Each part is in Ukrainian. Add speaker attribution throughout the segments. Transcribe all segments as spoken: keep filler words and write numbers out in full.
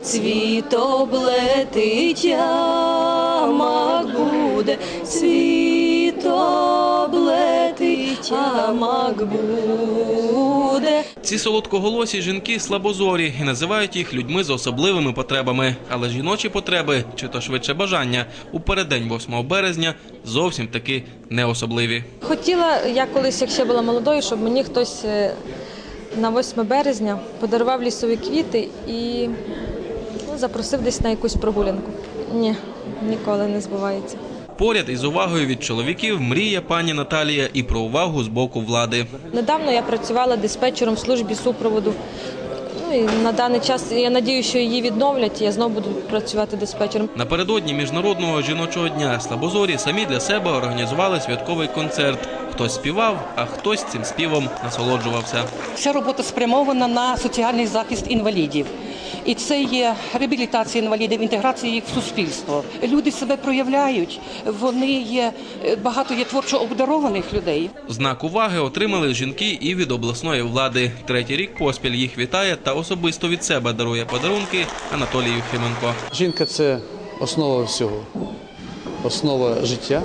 Speaker 1: Цвітоблетить ямак буде, цвітоблетить ямак буде.
Speaker 2: Ці солодкоголосі жінки слабозорі і називають їх людьми з особливими потребами. Але жіночі потреби, чи то швидше бажання, у переддень восьмого березня зовсім таки не особливі.
Speaker 3: Хотіла я колись, як ще була молодою, щоб мені хтось на восьме березня подарував лісові квіти і ну, запросив десь на якусь прогулянку. Ні, ніколи не збувається.
Speaker 2: Поряд із увагою від чоловіків мріє пані Наталія і про увагу з боку влади.
Speaker 3: Недавно я працювала диспетчером в службі супроводу. Ну, і на даний час, я сподіваюся, що її відновлять, і я знову буду працювати диспетчером.
Speaker 2: Напередодні Міжнародного жіночого дня слабозорі самі для себе організували святковий концерт. Хтось співав, а хтось цим співом насолоджувався.
Speaker 4: Вся робота спрямована на соціальний захист інвалідів. І це є реабілітація інвалідів, інтеграція їх в суспільство. Люди себе проявляють, вони є, багато є творчо обдарованих людей.
Speaker 2: Знак уваги отримали жінки і від обласної влади. Третій рік поспіль їх вітає та особисто від себе дарує подарунки Анатолій Єфименко.
Speaker 5: Жінка – це основа всього, основа життя.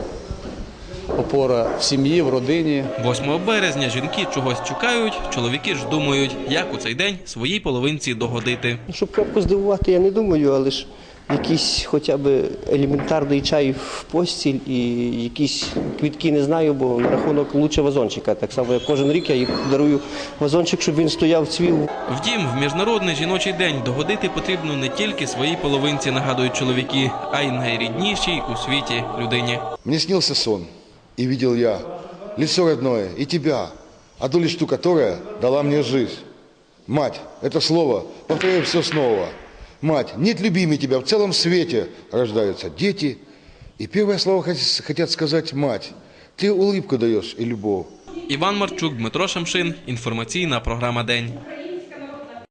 Speaker 5: Опора в сім'ї, в родині.
Speaker 2: восьмого березня жінки чогось чекають, чоловіки ж думають, як у цей день своїй половинці догодити.
Speaker 6: Щоб крапку здивувати, я не думаю, але ж якийсь хоча б елементарний чай в постіль і якісь квітки не знаю, бо на рахунок лучше вазончика. Так само, як кожен рік я їй дарую вазончик, щоб він стояв, цвів.
Speaker 2: Втім, в Міжнародний жіночий день догодити потрібно не тільки своїй половинці, нагадують чоловіки, а й найріднішій у світі людині.
Speaker 7: Мені снився сон. И видел я лицо родное и тебя, одну лишь ту, которая дала мне жизнь. Мать, это слово, повторяю все снова. Мать, нет любимей тебя, в целом свете рождаются дети. И первое слово хотят сказать мать. Ты улыбку даешь и любовь.
Speaker 2: Іван Марчук, Дмитро Шамшин. Інформаційна програма «День».